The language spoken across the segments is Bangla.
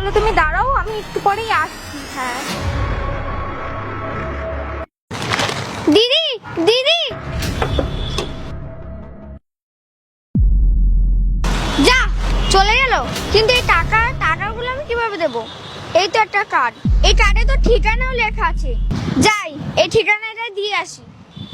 তাহলে তুমি দাঁড়াও, আমি একটু পরেই আসছি। হ্যাঁ দিদি, দিদি যা চলে গেল। কিন্তু এই টাকাগুলো আমি কিভাবে দেবো? এই তো একটা কার্ড, এই কার্ডে তো ঠিকানাও লেখা আছে। যাই এই ঠিকানাটা দিয়ে আসি।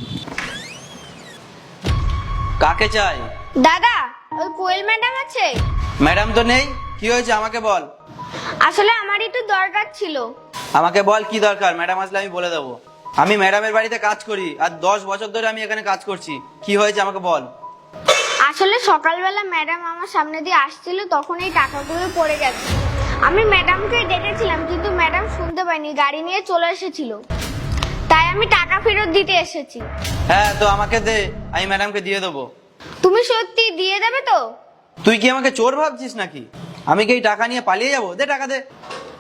কাকে চাই? দাদা, ওই কোয়েল ম্যাডাম আছে? ম্যাডাম তো নেই, কি হয়েছে আমাকে বল। আসলে আমার একটু দরকার ছিল। আমাকে বল কি দরকার, ম্যাডাম আসলে আমি বলে দেবো। আমি ম্যাডামের বাড়িতে কাজ করি আর 10 বছর ধরে আমি এখানে কাজ করছি। কি হয়েছে আমাকে বল। আসলে সকালবেলা ম্যাডাম আমার সামনে দিয়ে আসছিল, তখন এই টাকাগুলো পড়ে গেছে। আমি ম্যাডামকে ডেকেছিলাম কিন্তু ম্যাডাম শুনতে পায়নি, গাড়ি নিয়ে চলে এসেছিল। তাই আমি টাকা ফেরত দিতে এসেছি। হ্যাঁ তো আমাকে দে, আমি ম্যাডামকে দিয়ে দেবো। তুমি সত্যি দিয়ে দেবে তো? তুই কি আমাকে চোর ভাবছিস নাকি? আমি কি এই টাকা নিয়ে পালিয়ে যাবো? দে টাকা দে।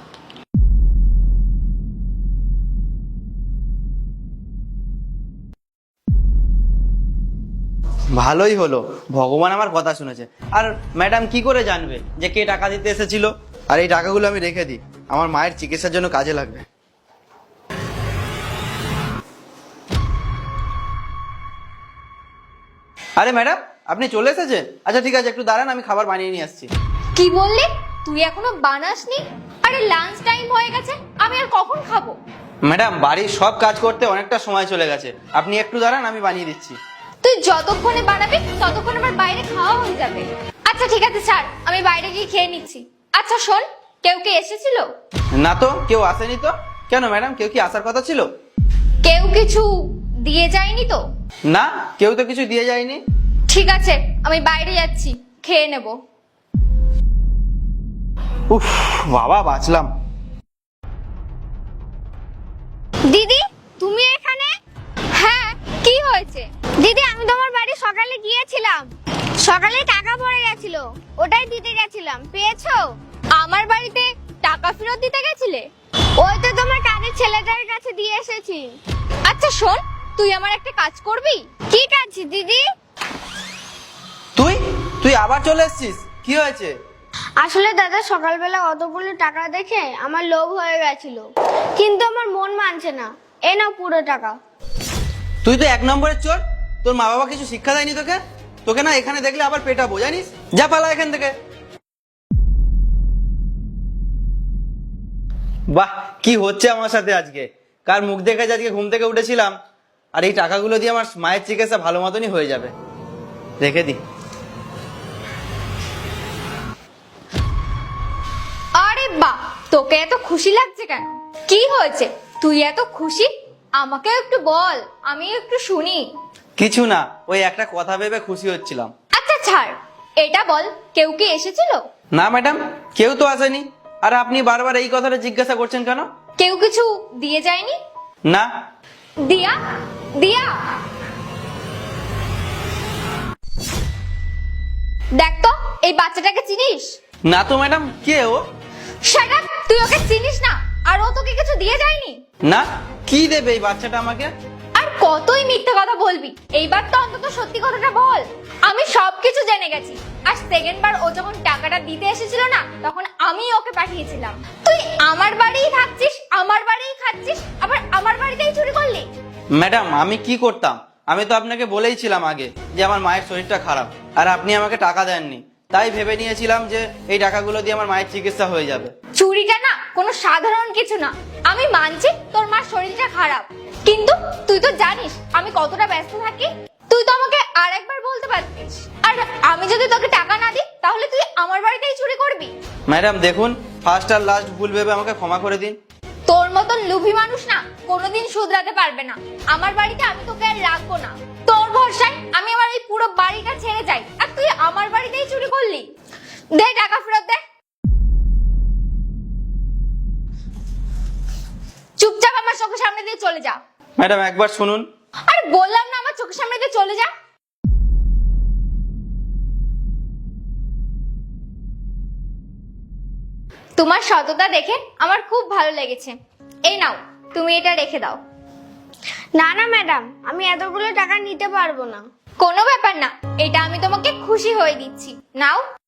ভালোই হলো, ভগবান আমার কথা শুনেছে। আর ম্যাডাম কি করে জানবে যে কে টাকা দিতে এসেছিল? আর এই টাকাগুলো আমি রেখে দিই, আমার মায়ের চিকিৎসার জন্য কাজে লাগবে। আরে ম্যাডাম, আপনি চলে এসেছেন? আচ্ছা ঠিক আছে, একটু দাঁড়ান, আমি খাবার বানিয়ে নিয়ে আসছি। কি বললি? তুই এখনো বানাসনি? আরে লাঞ্চ টাইম হয়ে গেছে, আমি আর কখন খাবো? ম্যাডাম, বাড়ির সব কাজ করতে অনেকটা সময় চলে গেছে, আপনি একটু দাঁড়ান, আমি বানিয়ে দিচ্ছি। তুই যতক্ষণে বানাবি ততক্ষণ আমার বাইরে খাওয়া হয়ে যাবে। আচ্ছা ঠিক আছে ছাড়, আমি বাইরে গিয়ে খেয়ে নিচ্ছি। আচ্ছা শোন, কেউ কি এসেছিল? না তো, কেউ আসেনি তো। কেন ম্যাডাম, কেউ কি আসার কথা ছিল? কেউ কিছু দিয়ে যায়নি তো? না, কেউ তো কিছু দিয়ে যায়নি। ঠিক আছে, আমি বাইরে যাচ্ছি, খেয়ে নেব। উফ, বাবা বাঁচলাম। দিদি, তুমি এখানে? হ্যাঁ, কি হয়েছে? দিদি, আমি তোমার বাড়ি সকালে গিয়েছিলাম, সকালে টাকা পড়ে গেছিল, ওটাই দিতে গেছিলাম। পেয়েছো? আমার বাড়িতে টাকা ফেরত দিতে গেছিলে? ওই তো তোমার কাজের ছেলেটার কাছে দিয়ে এসেছি। আচ্ছা শোন, তুই আমার একটা কাজ করবি? কি কাজ দিদি? তুই তুই আবার চলে এসেছিস, কি হয়েছে? আসলে দাদা, সকালবেলা অতগুলো টাকা দেখে আমার লোভ হয়ে গেছিল, কিন্তু আমার মন মানছে না। এ নাও পুরো টাকা। তুই তো 1 নম্বরের চোর। তোর মা বাবা কিছু শিক্ষা দেয়নি তোকে? তোকে না এখানে দেখলে আবার পেটাবো, জানিস? যা পালা এখান থেকে। বাহ, কি হচ্ছে আমার সাথে আজকে? কার মুখ দেখে যে আজকে ঘুম থেকে উঠেছিলাম, আর এই টাকাগুলো দিয়ে আমার মায়ের চিকিৎসা ভালো মতনই হয়ে যাবে। রেখে দি। আরে বাহ, তোকে এত খুশি লাগছে কেন? কি হয়েছে, তুই এত খুশি? আমাকে একটু বল, আমি একটু শুনি। কিছু না, ওই একটা কথা ভেবে খুশি হচ্ছিলাম। আচ্ছা ছাড়, এটা বল, কেউ কি এসেছিল? না ম্যাডাম, কেউ তো আসেনি। আর আপনি বারবার এই কথাটা জিজ্ঞাসা করছেন কেন? কেউ কিছু দিয়ে যায়নি? না। দিয়া, দিয়া, দেখ তো এই বাচ্চাটাকে চিনিস? না তো ম্যাডাম, কে ও? শাট আপ, তুই ওকে চিনিস না? আর ও তোকে কিছু দিয়ে যায়নি? না, কি দেবে এই বাচ্চাটা আমাকে? আর কতই মিথ্যে কথা বলবি, এইবার তো অন্তত সত্যি কথাটা বল। আমি সবকিছু জেনে গেছি। আর সেকেন্ড বার ও যখন টাকাটা দিতে এসেছিল না, তখন আমি ওকে পাঠিয়েছিলাম। তুই আমার বাড়িই থাকছিস, আমার বাড়িই খাচ্ছিস, আবার আমার বাড়িতেই চুরি করলি? ম্যাডাম, আমি কি করতাম? আমি তো আপনাকে বলেইছিলাম আগে যে আমার মায়ের শরীরটা খারাপ, আর আপনি আমাকে টাকা দেননি। তাই ভেবে নিয়েছিলাম যে এই টাকাগুলো দিয়ে আমার মায়ের চিকিৎসা হয়ে যাবে। চুরিটা না কোনো সাধারণ কিছু না। আমি মানছি তোর মার শরীরটা খারাপ, কিন্তু তুই তো জানিস আমি কতটা ব্যস্ত থাকি। তুই তো আমাকে আর একবার বলতে পারতিস। আর আমি যদি তোকে টাকা না দিই, তাহলে তুই আমার বাড়িতেই চুরি করবি? ম্যাডাম দেখুন, ফার্স্ট আর লাস্ট ভুল ভেবে আমাকে ক্ষমা করে দিন। তোর মতন লোভী মানুষ না কোনোদিন শুধরাতে পারবে না। আমার বাড়িতে আমি তোকে আর রাখবো না। তোর ভরসায় আমি আমার এই পুরো বাড়িটা ছেড়ে যাই, আর তুই আমার বাড়িতেই চুরি করলি। দে টাকা ফেরত দে। চুপচাপ আমার চোখের সামনে দিয়ে চলে যা। ম্যাডাম একবার শুনুন। আরে বললাম না আমার চোখের সামনে দিয়ে চলে যা। তোমার সততা দেখে আমার খুব ভালো লেগেছে। এই নাও, তুমি এটা রেখে দাও। না না ম্যাডাম, আমি এতগুলো টাকা নিতে পারবো না। কোনো ব্যাপার না, এটা আমি তোমাকে খুশি হয়ে দিচ্ছি। নাও।